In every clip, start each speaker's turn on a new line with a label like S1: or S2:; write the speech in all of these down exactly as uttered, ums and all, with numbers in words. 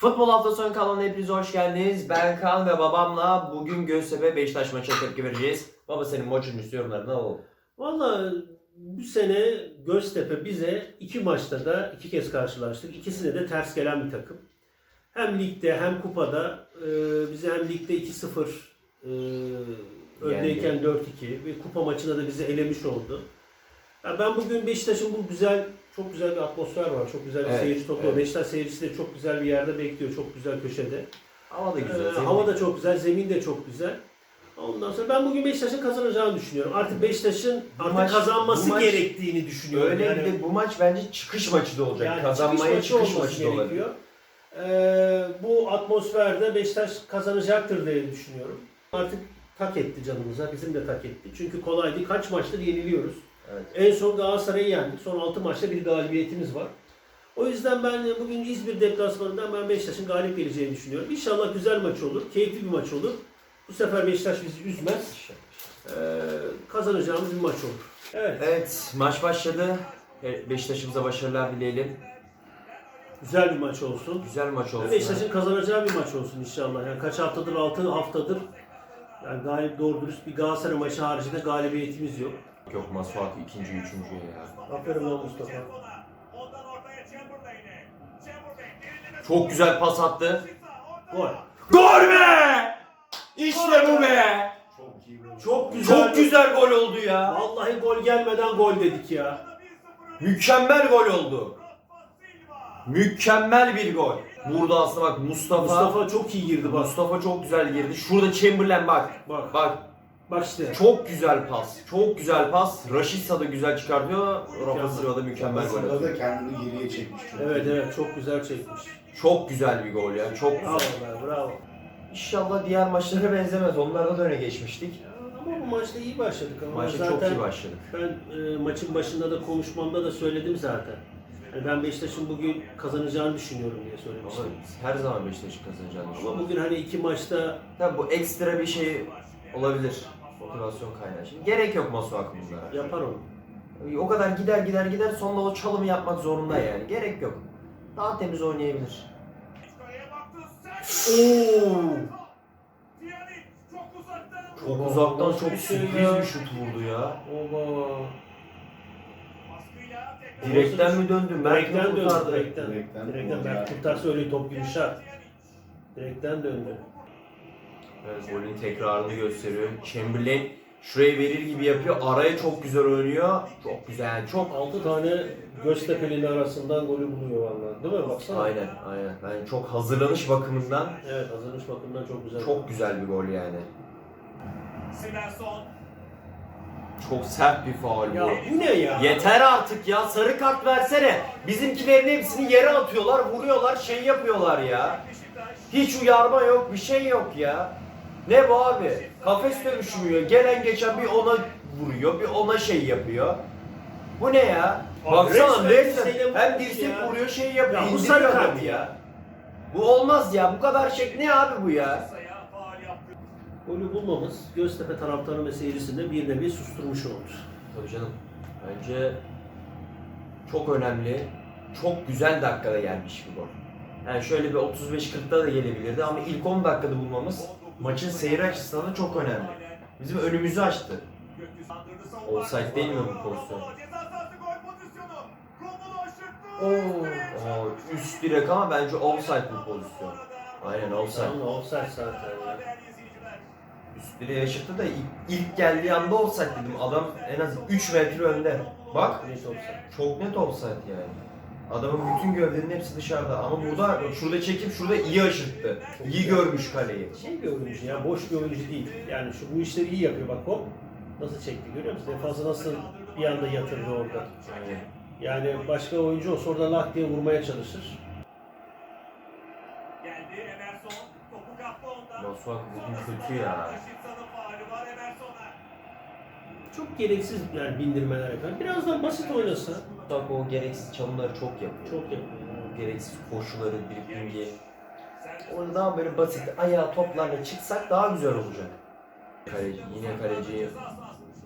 S1: Futbol hafta sonu kanalına hepiniz hoş geldiniz. Ben Kaan ve babamla bugün Göztepe Beşiktaş maçına tepki vereceğiz. Baba senin maçın üstü yorumlarını alalım.
S2: Valla bu sene Göztepe bize iki maçta da iki kez karşılaştık. İkisine de ters gelen bir takım. Hem ligde hem kupada e, bize hem ligde iki sıfır e, öndeyken dört iki ve kupa maçında da bizi elemiş oldu. Ya ben bugün Beşiktaş'ın bu güzel, çok güzel bir atmosfer var. Çok güzel bir
S1: Evet,
S2: seyirci topluyor.
S1: evet.
S2: Beşiktaş seyircisi de çok güzel bir yerde bekliyor. Çok güzel köşede.
S1: Hava da güzel.
S2: Ee,
S1: zemin
S2: hava
S1: de-
S2: da çok güzel, zemin de çok güzel. Ondan sonra ben bugün Beşiktaş'ın kazanacağını düşünüyorum. Artık Beşiktaş'ın
S1: Bu
S2: artık
S1: maç-
S2: kazanması
S1: bu maç-
S2: gerektiğini düşünüyorum.
S1: Öyle
S2: yani,
S1: bir de bu maç bence çıkış maçı da olacak.
S2: yani
S1: Kazanmaya çıkış
S2: olması
S1: maçı da olabilir.
S2: gerekiyor. Ee, bu atmosferde Beşiktaş kazanacaktır diye düşünüyorum. Artık tak etti canımıza, bizim de tak etti. Çünkü kolay değil. Kaç maçtır yeniliyoruz.
S1: Evet.
S2: En son Galatasaray'ı yendik. Son altı maçta bir galibiyetimiz var. O yüzden ben bugün İzmir deplasmanından ben Beşiktaş'ın galip geleceğini düşünüyorum. İnşallah güzel maç olur, keyifli bir maç olur. Bu sefer Beşiktaş bizi üzmez. Ee, kazanacağımız bir maç olur. Evet.
S1: Evet, maç başladı. E, Beşiktaş'ımıza başarılar dileyelim.
S2: Güzel bir maç olsun.
S1: Güzel maç olsun.
S2: Beşiktaş'ın kazanacağı bir maç olsun inşallah. Yani kaç haftadır, altı haftadır yani galip doğru dürüst bir Galatasaray maçı haricinde galibiyetimiz yok.
S1: Yok Masuaku ikinci, üçüncü ya.
S2: Aferin lan Mustafa.
S1: Çok güzel pas attı.
S2: Gol.
S1: Gol be! İşte bu be!
S2: Çok güzel.
S1: Çok güzel gol oldu ya.
S2: Vallahi gol gelmeden gol dedik ya.
S1: Mükemmel gol oldu. Mükemmel bir gol. Burada aslında bak Mustafa
S2: Mustafa çok iyi girdi bak.
S1: Mustafa çok güzel girdi. Şurada Chamberlain bak.
S2: Bak.
S1: Bak.
S2: Bak işte.
S1: Çok güzel pas. Çok güzel pas. Rashica da güzel çıkartıyor. Rafa Silva da mükemmel gol
S3: Aslında
S1: atıyor.
S3: da kendini geriye çekmiş. Çok
S2: Evet
S3: iyi.
S2: evet çok güzel çekmiş.
S1: Çok güzel bir gol ya. Çok
S2: Bravo
S1: güzel.
S2: be bravo.
S1: İnşallah diğer maçlara benzemez. Onlarda da öne geçmiştik.
S2: Ama bu maçta iyi başladık ama
S1: Maça
S2: zaten
S1: çok iyi başladık.
S2: ben e, maçın başında da konuşmamda da söyledim zaten. Yani ben Beşiktaş'ın bugün kazanacağını düşünüyorum diye
S1: Ama
S2: söylemiştim.
S1: her zaman Beşiktaş'ın kazanacağını
S2: Ama
S1: düşünüyorum.
S2: bugün hani iki maçta
S1: Tabii bu ekstra bir şey olabilir. Motivasyon kaynağı. Şimdi gerek yok Masuaku bunlara.
S2: yapar onu.
S1: O kadar gider gider gider sonra o çalımı yapmak zorunda yani. Gerek yok. Daha temiz oynayabilir. Oo! Çok uzaktan çok sürpriz bir şut vurdu ya.
S2: Oba.
S1: Direkten mi döndü? Mert mi
S2: Direkten döndü.
S1: kurtardı?
S2: Direkten.
S3: Direkten
S2: Direkten.
S3: gol
S2: Berk
S3: ya.
S2: kurtarsa öyle top yumuşar. Direkten döndü.
S1: Evet, golün tekrarını gösteriyor. Chamberlain şurayı verir gibi yapıyor. Araya çok güzel oynuyor. Çok güzel. Çok
S2: altı tane Göztepe'nin arasından golü buluyor vallahi. Değil mi? Baksana.
S1: aynen aynen. Yani çok hazırlanış bakımından
S2: Evet hazırlanış bakımından çok güzel.
S1: çok güzel bir gol yani. Çok sert bir faul
S2: Ya
S1: bu.
S2: bu ne ya?
S1: Yeter artık ya, sarı kart versene. Bizimkilerin hepsini yere atıyorlar, vuruyorlar, şey yapıyorlar ya. Hiç uyarma yok, bir şey yok ya. Ne bu abi? Kafes dövüşmüyor. Gelen geçen bir ona vuruyor, bir ona şey yapıyor. Bu ne ya?
S2: Abi
S1: Baksana
S2: resmen
S1: resmen
S2: dirseğiyle
S1: hem
S2: vurmuş
S1: dirsek
S2: ya.
S1: vuruyor, şey yapıyor.
S2: Ya bu
S1: indiriyor
S2: sarı
S1: adamı
S2: kart
S1: ya. Bu olmaz ya. Bu kadar şey ne abi bu ya?
S2: Golü bulmamız Göztepe taraftarı ve seyircisini bir nevi susturmuş oldu.
S1: Tabii canım. Bence çok önemli, çok güzel dakikada gelmiş bir gol. Yani şöyle bir otuz beş kırkta da gelebilirdi ama ilk on dakikada bulmamız maçın seyri açısından da çok önemli. Bizim önümüzü açtı. Offside değil mi bu pozisyon? Oo, aa, üst direk ama bence offside bu pozisyon. Aynen offside.
S2: Ama offside zaten ya.
S1: Üst direğe yaşattı da ilk, ilk geldiği anda offside dedim. Adam en az üç metre önde. Bak.
S2: Net offside.
S1: Çok net offside yani. Adamın bütün gövdenin hepsi dışarıda ama burada şurada çekip şurada iyi aşırttı. İyi görmüş kaleyi.
S2: Şey bir oyuncu ya, boş bir oyuncu değil. Yani şu bu işleri iyi yapıyor bak hop. Nasıl çekti görüyor musun? Defansı nasıl bir anda yatırdı orada.
S1: Yani
S2: Yani başka oyuncu olsa orada lak diye vurmaya çalışır.
S1: Masuaku bugün kötü ya.
S2: Çok gereksiz yani bindirmeler yapıyor. Biraz daha basit oynasa.
S1: Masuaku o gereksiz çalımları çok yapıyor.
S2: Çok yapıyor.
S1: Gereksiz koşuları, driblingi. Orada daha böyle basit ayağa toplarla çıksak daha güzel olacak. Kaleci, yine kaleci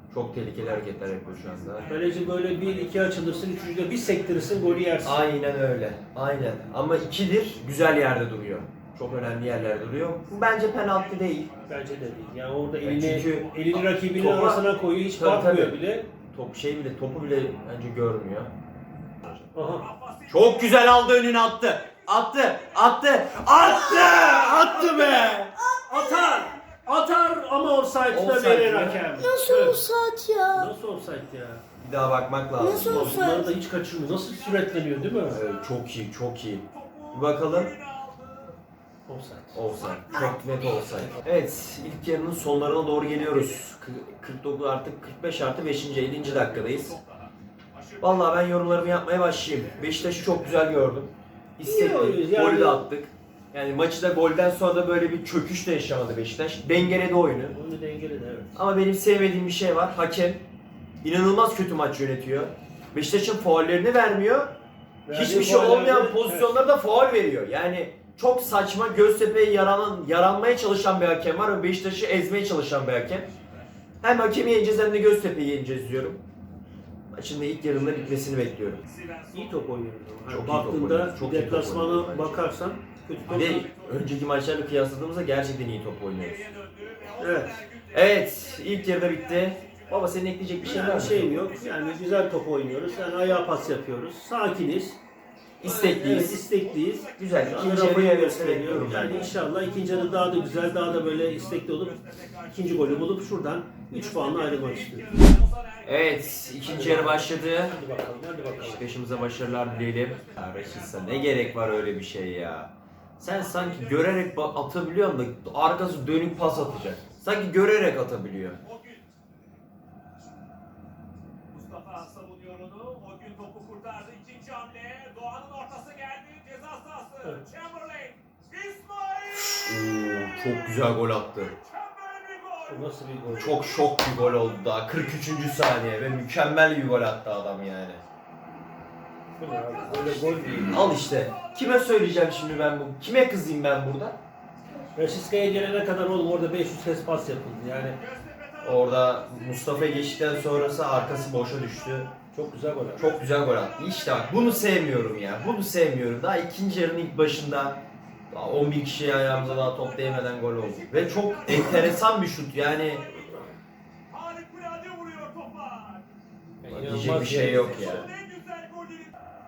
S1: Çok tehlikeli hareketler yapıyor şu anda.
S2: Kaleci böyle bir iki açılırsın, üçüncüde bir sektirirsin, golü yersin.
S1: Aynen öyle. Aynen. Ama ikidir güzel yerde duruyor. Çok önemli yerlerde duruyor. Bu bence penaltı değil.
S2: Bence de değil. Yani orada
S1: Ya
S2: elini,
S1: çünkü
S2: elini rakibinin
S1: topa-
S2: arasına koyuyor, hiç
S1: Tabii,
S2: bakmıyor
S1: tabii.
S2: bile.
S1: Top şey bile topu bile bence görmüyor.
S2: Aha.
S1: Çok güzel aldı, önüne attı. Attı, attı, attı, attı be.
S2: Atar! Atar ama offside'da
S1: Offside
S2: verir
S1: mi?
S2: hakem.
S3: Nasıl
S2: Evet.
S3: offside ya?
S2: Nasıl offside ya?
S1: Bir daha bakmak lazım.
S3: Nasıl
S2: Ulan
S3: offside?
S2: bunları da hiç kaçırmıyor. Nasıl süretleniyor değil mi?
S1: Evet, çok iyi, çok iyi. Bir bakalım.
S2: Offside.
S1: Offside. Çok net offside. Evet, ilk yarının sonlarına doğru geliyoruz. Kı- kırk dokuz artık kırk beş artı beşinci ellinci dakikadayız. Vallahi ben yorumlarımı yapmaya başlayayım. Beşiktaş'ı çok güzel gördüm.
S2: İyi oynuyoruz
S1: İstekli.
S2: yani.
S1: Golü de attık. Yani maçı da golden sonra da böyle bir çöküş de yaşamadı Beşiktaş. Dengeledi oyunu.
S2: Onu dengeledi evet.
S1: Ama benim sevmediğim bir şey var. Hakem inanılmaz kötü maç yönetiyor. Beşiktaş'ın faullerini vermiyor. Hiçbir şey
S2: Verdiği
S1: olmayan
S2: faullerde-
S1: pozisyonlarda faul veriyor. Yani çok saçma, Göztepe'ye yaranan, yaranmaya çalışan bir hakem var ve Beşiktaş'ı ezmeye çalışan bir hakem. Hem hakemi yeneceğiz hem de Göztepe'yi yeneceğiz diyorum. Maçın da ilk yarında bitmesini bekliyorum.
S2: İyi top oynuyoruz ama.
S1: Çok iyi
S2: Yani
S1: top
S2: baktığında
S1: oynuyoruz, çok iyi top
S2: deplasmana
S1: oynuyoruz bence.
S2: bakarsan kötü top
S1: Bir de
S2: değil.
S1: önceki maçlarla kıyasladığımızda gerçekten iyi top oynuyoruz.
S2: Evet.
S1: Evet, ilk yarıda bitti. Baba senin ekleyecek bir şey var
S2: Yani
S1: mı?
S2: şeyim yok. Yani güzel top oynuyoruz. Yani ayağa pas yapıyoruz. Sakiniz.
S1: İstekliyiz.
S2: Evet, istekliyiz.
S1: Güzel.
S2: Şu anda
S1: İkinci yarı
S2: Rafa'yı
S1: gelmesini
S2: gösteriyor.
S1: bekliyorum ben.
S2: Yani inşallah ikinci yarı daha da güzel, daha da böyle istekli olup ikinci golü bulup şuradan üç puanla ayrılmak istiyoruz.
S1: Evet, ikinci yarı başladı.
S2: Hadi bakalım, hadi bakalım.
S1: Beşiktaş'ımıza başarılar dileyelim. Ya Raşit'sa ne gerek var öyle bir şey ya? Sen sanki görerek ba- atabiliyorsun da arkası dönük pas atacak. Sanki görerek atabiliyor.
S4: Mustafa savunuyor onu. O gün topu kurtardı. İkinci hamle. Doğan'ın ortası geldi. Ceza sahası.
S2: Evet.
S4: Chamberlain. İsmail.
S1: Oo, çok güzel gol attı.
S4: Mükemmel bir gol.
S2: Bu nasıl bir gol?
S1: Çok şok bir gol oldu daha. kırk üçüncü saniye ve mükemmel bir gol attı adam yani.
S2: Bu ne abi? Böyle gol değil.
S1: Al işte. Kime söyleyeceğim şimdi ben bu? Kime kızayım ben burada?
S2: Raşiska'ya gelene kadar oğlum orada beş yüz kez pas yapıldı yani.
S1: Orada Mustafa'ya geçtikten sonrası arkası boşa düştü.
S2: Çok güzel gol. Çok
S1: Çok güzel gol attı. İşte bak bunu sevmiyorum ya. Bunu sevmiyorum. Daha ikinci yarının ilk başında daha on bin kişiye ayağımıza daha top değmeden gol oldu. Ve çok enteresan bir şut yani.
S4: Harikulade vuruyor topa.
S1: Diyecek bir şey yok ya.
S4: En güzel golü.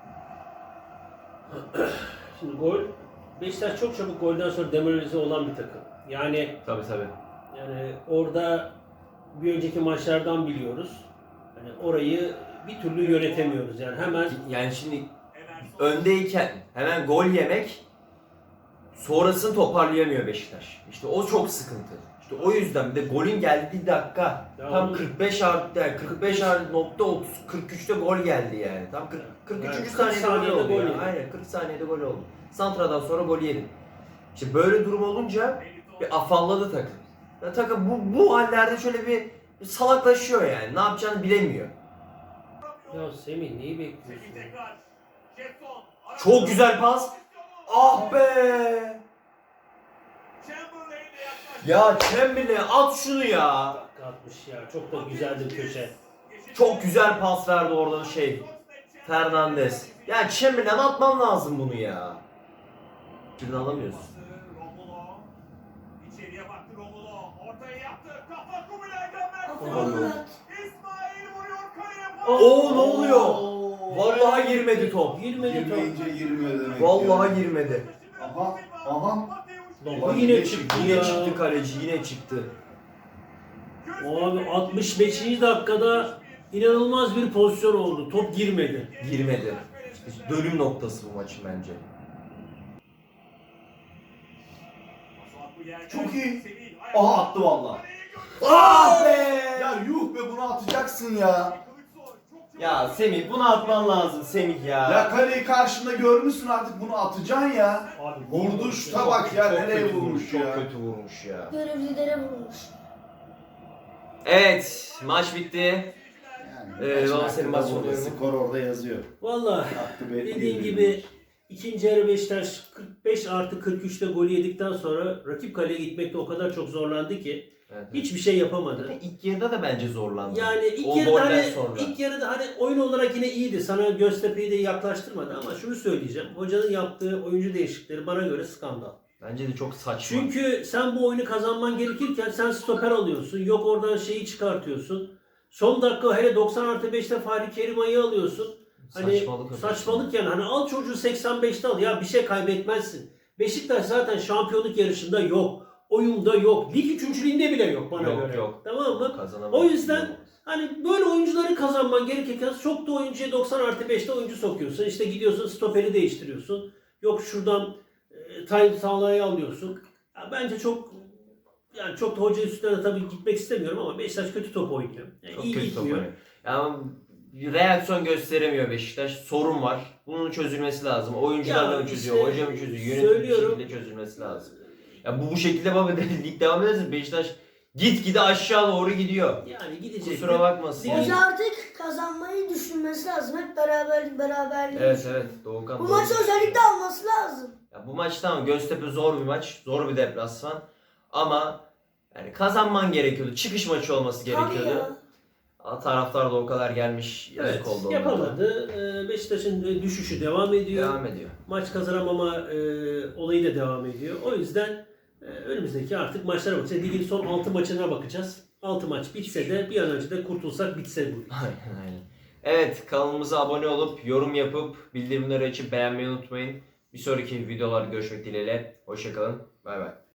S2: Şimdi gol, Beşiktaş çok çabuk golden sonra demoralize olan bir takım. Yani
S1: Tabii tabii.
S2: yani orada bir önceki maçlardan biliyoruz. Hani orayı bir türlü yönetemiyoruz yani hemen
S1: Yani şimdi öndeyken hemen gol yemek sonrasını toparlayamıyor Beşiktaş. İşte o çok sıkıntı. İşte o yüzden bir de golün geldiği dakika
S2: Ya
S1: tam
S2: onu-
S1: kırk beş artı yani kırk beş artı nokta otuz kırk üçte gol geldi yani. Tam kırk, kırk üçüncü
S2: Yani kırk
S1: saniyede,
S2: saniyede
S1: gol oldu.
S2: gol
S1: ya.
S2: yedi.
S1: Aynen kırk saniyede gol oldu. Santra'dan sonra gol yedin. İşte böyle durum olunca bir afalladı takım. Ya takım bu, bu hallerde şöyle bir, bir salaklaşıyor yani. Ne yapacağını bilemiyor.
S2: ya Semih neyi bekliyorsun?
S4: Tekrar. Jetson.
S1: Çok güzel pas. Ah be!
S4: Chamberlain'le yaklaştı.
S1: Ya Chamberlain at şunu ya.
S2: Dakika atmış ya. Çok da güzeldi köşe.
S1: Çok güzel pas verdi orada şey. Fernandes. Ya Chamberlain atman lazım bunu ya. Şimdi alamıyorsun.
S4: Romulo. İçeriye baktı Romulo. Ortaya yaptı. Kafa Kubilay'dan
S3: Aferin
S4: Mert.
S3: Murat.
S4: İsmail vuruyor kaleye.
S1: Oo, ne oluyor? Vallahi girmedi top.
S2: Girmedi top.
S5: Girmeyince girme demek
S1: Vallahi
S5: ya.
S1: girmedi.
S5: Aha, aha.
S2: Lan
S5: Bak,
S2: bu yine
S5: yine
S2: çıktı
S1: Yine
S2: ya.
S1: çıktı kaleci, yine çıktı.
S2: Abi altmış beşinci dakikada inanılmaz bir pozisyon oldu. Top girmedi.
S1: Girmedi. İşte dönüm noktası bu maçın bence.
S5: Çok iyi. Aha attı valla.
S1: Ah be!
S5: Ya yuh be bunu atacaksın ya.
S1: Ya Semih bunu atman lazım Semih ya.
S5: Ya kaleyi karşında görmüşsün artık bunu atacaksın ya.
S2: Abi
S5: Vurdu şuta bak ya
S1: Çok
S5: nereye
S1: kötü
S5: vurmuş
S1: Çok
S5: ya.
S1: kötü vurmuş ya.
S3: Görevlilere vurmuş.
S1: Evet, maç bitti.
S5: Yani
S1: Ee,
S5: maçın
S1: baba senin
S5: hakkında
S1: maç
S5: burada
S1: soruyorum.
S5: skor orada yazıyor.
S2: Valla
S5: Hakkı be-
S2: dediğin
S5: bir-
S2: gibi İkinci yarı Beşiktaş kırk beş artı kırk üçte golü yedikten sonra rakip kaleye gitmekte o kadar çok zorlandı ki
S1: Evet, evet.
S2: hiçbir şey yapamadı.
S1: İlk yarıda da bence zorlandı.
S2: Yani ilk
S1: O
S2: yarıda
S1: golden
S2: hani,
S1: sonra.
S2: ilk yarıda hani oyun olarak yine iyiydi. Sana Göztepe'yi de yaklaştırmadı ama şunu söyleyeceğim. Hocanın yaptığı oyuncu değişiklikleri bana göre skandal.
S1: Bence de çok saçma.
S2: Çünkü sen bu oyunu kazanman gerekirken sen stoper alıyorsun. Yok oradan şeyi çıkartıyorsun. Son dakika hele doksan artı beşte Fahri Kerima'yı alıyorsun. Hani
S1: saçmalık.
S2: saçmalık yani. Hani al çocuğu seksen beşte al. Ya bir şey kaybetmezsin. Beşiktaş zaten şampiyonluk yarışında yok. Oyunda yok. Lig üçüncülüğünde bile yok bana
S1: Yok,
S2: göre.
S1: yok.
S2: Tamam mı?
S1: Kazanamadı.
S2: O yüzden hani böyle oyuncuları kazanman gerekirken çok da oyuncuya doksan artı beşte oyuncu sokuyorsun. İşte gidiyorsun stoperi değiştiriyorsun. Yok şuradan e, Tayyip Sağlay'ı alıyorsun. Ya bence çok yani çok da hoca üstüne tabii gitmek istemiyorum ama Beşiktaş kötü top oynuyor. Yani
S1: çok
S2: iyi
S1: kötü top
S2: gitmiyor.
S1: oynuyor. Yani reaksiyon gösteremiyor Beşiktaş. Sorun var. Bunun çözülmesi lazım. Oyuncular
S2: Ya
S1: mı çözüyor,
S2: işte
S1: hoca mı çözüyor, yönetim bir
S2: söylüyorum.
S1: şekilde çözülmesi lazım. Ya bu bu şekilde baba lig devam ederse Beşiktaş gitgide aşağı doğru gidiyor.
S2: Yani gidecek.
S1: Kusura bakmasın.
S2: Değil.
S3: Hoca artık kazanmayı düşünmesi lazım. Hep beraber beraberliği.
S1: Evet evet Doğukan.
S3: Bu
S1: doğru.
S3: maçı özellikle alması lazım.
S1: Ya bu maç tamam Göztepe zor bir maç, zor bir deplasman ama yani kazanman gerekiyordu. Çıkış maçı olması
S3: Tabii
S1: gerekiyordu.
S3: ya.
S1: Ama taraftar da o kadar gelmiş yazık
S2: Evet,
S1: oldu onlara.
S2: yapamadı. Ee, Beşiktaş'ın e, düşüşü devam ediyor.
S1: Devam ediyor.
S2: Maç kazanamama e, olayı da devam ediyor. O yüzden e, önümüzdeki artık maçlara bakacağız. Ligin son altı maçına bakacağız. altı maç bitse de bir an önce de kurtulsak bitse bu.
S1: Aynen aynen. Evet kanalımıza abone olup yorum yapıp bildirimleri açıp beğenmeyi unutmayın. Bir sonraki videolarda görüşmek dileğiyle. Hoşçakalın. Bay bay.